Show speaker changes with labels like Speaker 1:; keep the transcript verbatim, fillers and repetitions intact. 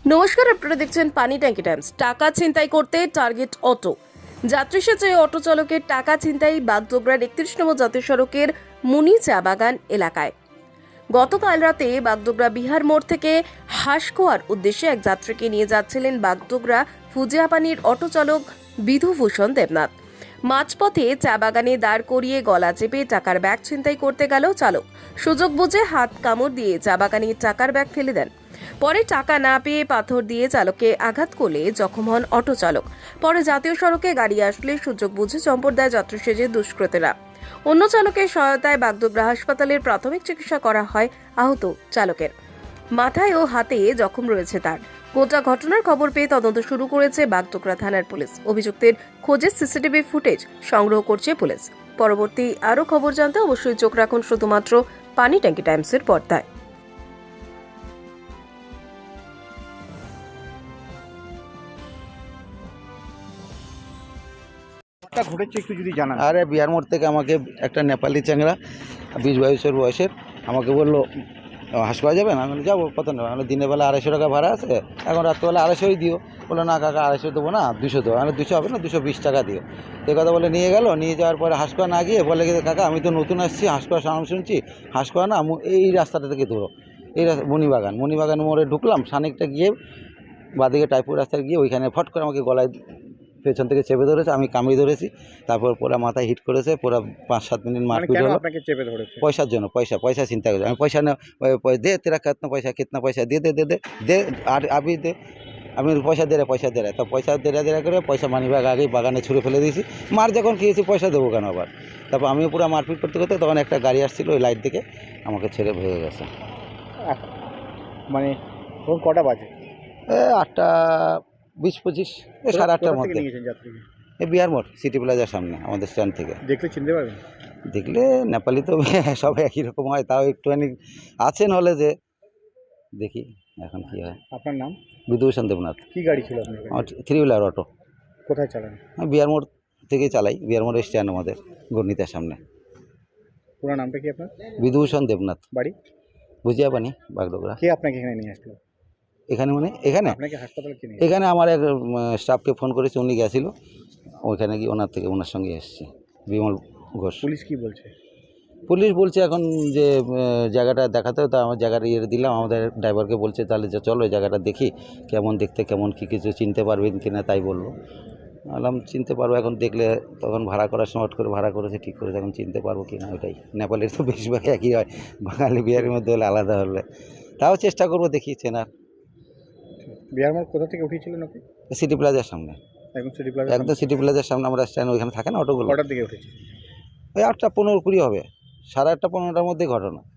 Speaker 1: নমস্কার, আপনারা দেখছেন পানি ট্যাঙ্কি টাইমস। টাকা ছিনতাই করতে টার্গেট অটো। যাত্রী সেজে অটো চালকের টাকা ছিনতাই বাগডোগরার একত্রিশ নম্বর জাতীয় সড়কের মুনি চা বাগান এলাকায়। গতকাল রাতে বাগডোগরা বিহার মোড় থেকে হাঁসকোয়ার উদ্দেশ্যে এক যাত্রীকে নিয়ে যাচ্ছিলেন বাগডোগরা ফুজিয়াপানির অটো চালক বিধুভূষণ দেবনাথ। মাঝপথে চা বাগানে দাঁড় করিয়ে গলা চেপে টাকার ব্যাগ ছিনতাই করতে গেল চালক। সুযোগ বুঝে হাত কামড় দিয়ে চা বাগানে টাকার ব্যাগ ফেলে দেন। পরে টাকা না পেয়ে পাথর দিয়ে চালককে আঘাত করলে জখম হন অটো চালক। পরে জাতীয় সড়কে গাড়ি আসলে সুযোগ বুঝে চম্পট দেয় যাত্রী সেজে দুষ্কৃতীরা। অন্য চালকের সহায়তায় বাগডোগরা হাসপাতালের প্রাথমিক চিকিৎসা করা হয় আহত চালকের। মাথায় ও হাতে জখম রয়েছে তার। গোটা ঘটনার খবর পেয়ে তদন্ত শুরু করেছে বাগডোগরা থানার পুলিশ। অভিযুক্তের খোঁজে সিসিটিভি ফুটেজ সংগ্রহ করছে পুলিশ। পরবর্তী আরও খবর জানতে অবশ্যই চোখ রাখুন শুধুমাত্র পানি ট্যাঙ্কি টাইমসের পর্দায়।
Speaker 2: ঘটনাটা ঘটেছে একটু যদি জানান।
Speaker 3: আরে বিহার মোড় থেকে আমাকে একটা নেপালি চ্যাংড়া বিশ বাইশের বয়সের আমাকে বললো হাসপাতাল যাবেন। আমি বলি যাবো, কত নেবে? আমি দিনের বেলা আড়াইশো টাকা ভাড়া আছে, এখন রাত্রেবেলা আড়াইশোই দিও। বললো না কাকা আড়াইশো দেবো না, দুশো দেবো। আমি দুশো হবে না, দুশো বিশ টাকা দিও। এই কথা বলে নিয়ে গেল। নিয়ে যাওয়ার পরে হাসপাতাল না গিয়ে বলে গেছে কাকা আমি তো নতুন আসছি, হাসপাতাল নাম শুনছি, হাসপাতাল না এই রাস্তাটা থেকে ধরো, এই রাস্তা মণিবাগান মণিবাগান মোড়ে ঢুকলাম। খানিকটা গিয়ে বাদিকে টাইপুর রাস্তায় গিয়ে ওইখানে ফট করে আমাকে গলায় পেছন থেকে চেপে ধরেছে, আমি কামড়ি ধরেছি। তারপর পুরো মাথায় হিট করেছে, পুরো পাঁচ সাত মিনিট মারপিট হলো।
Speaker 2: আপনাকে চেপে ধরেছে
Speaker 3: পয়সার জন্য, পয়সা পয়সা চিন্তা করে আমি পয়সা না দে তেরা কিতনা পয়সা কিতনা পয়সা দে দে দে দে দে আর আবি দে। আমি পয়সা দে রে পয়সা দে রে তো পয়সা দেরা দেরা করে পয়সা মানি ব্যাগ আগেই বাগানে ছুঁড়ে ফেলে দিয়েছি। মার যখন খেয়েছি পয়সা দেবো কেন আবার? তারপর আমিও পুরো মারপিট করতে করতে তখন একটা গাড়ি আসছিল, ওই লাইট দিকে আমাকে ছেড়ে ভেঙে গেছে।
Speaker 2: মানে তখন কটা বাজে?
Speaker 3: এ আটটা বিশ পঁচিশ এ সাড়ে আটটার মধ্যে।
Speaker 2: নিয়েছেন যাত্রীকে?
Speaker 3: এই বিহার মোড় সিটি প্লাজার সামনে আমাদের স্ট্যান্ড থেকে।
Speaker 2: দেখলে চিনতে পারবেন?
Speaker 3: দেখলে নেপালি তো সবাই একই রকম হয়, তাও একটুখানি আছেন হলে যে দেখি এখন কি হয়।
Speaker 2: আপনার নাম?
Speaker 3: বিধুভূষণ দেবনাথ।
Speaker 2: কি গাড়ি ছিল আপনার?
Speaker 3: আমার থ্রি হুইলার অটো।
Speaker 2: কোথায় চালান?
Speaker 3: আমি বিহার মোড় থেকে চালাই, বিহার মোড়ের স্ট্যান্ড আমাদের গণিতার সামনে।
Speaker 2: পুরো নামটা কি আপনার?
Speaker 3: বিধুভূষণ দেবনাথ,
Speaker 2: বাড়ি?
Speaker 3: বুঝিয়াপানি, বাগডোগরা।
Speaker 2: কে আপনাকে এখানে নিয়ে আসলো?
Speaker 3: এখানে মানে এখানে
Speaker 2: আপনাকে হাসপাতালে কে নিয়ে?
Speaker 3: এখানে আমার এক স্টাফকে ফোন করেছে, উনি গেছিলো ওইখানে গিয়ে ওনার থেকে ওনার সঙ্গে এসেছি। বিমল ঘোষ।
Speaker 2: পুলিশ কি বলছে?
Speaker 3: পুলিশ বলছে এখন যে জায়গাটা দেখাতে হবে, তা আমার জায়গাটা ইয়ে দিলাম, আমাদের ড্রাইভারকে বলছে তাহলে যে চলো ওই জায়গাটা দেখি কেমন দেখতে, কেমন কী কিছু চিনতে পারবেন কি না তাই বললো। বললাম চিনতে পারবো, এখন দেখলে তখন ভাড়া করার সময় হট করে ভাড়া করেছে, ঠিক করেছে, এখন চিনতে পারবো কি না ওইটাই। নেপালের তো বেশিরভাগ একই হয়, বাঙালি বিহারের মধ্যে হলে আলাদা হলে তাও চেষ্টা করবো দেখি চেনার।
Speaker 2: বিহার মোড় কোথা থেকে উঠেছিলেন আপনি?
Speaker 3: সিটি প্লাজার সামনে,
Speaker 2: একদম সিটি প্লাজা?
Speaker 3: একদম সিটি প্লাজার সামনে আমরা স্ট্যান্ড, ওইখানে থাকে না অটোগুলো।
Speaker 2: কটার দিকে উঠেছি?
Speaker 3: ওই আটটা পনেরো কুড়ি হবে, সাড়ে আটটা পনেরোটার মধ্যেই ঘটনা।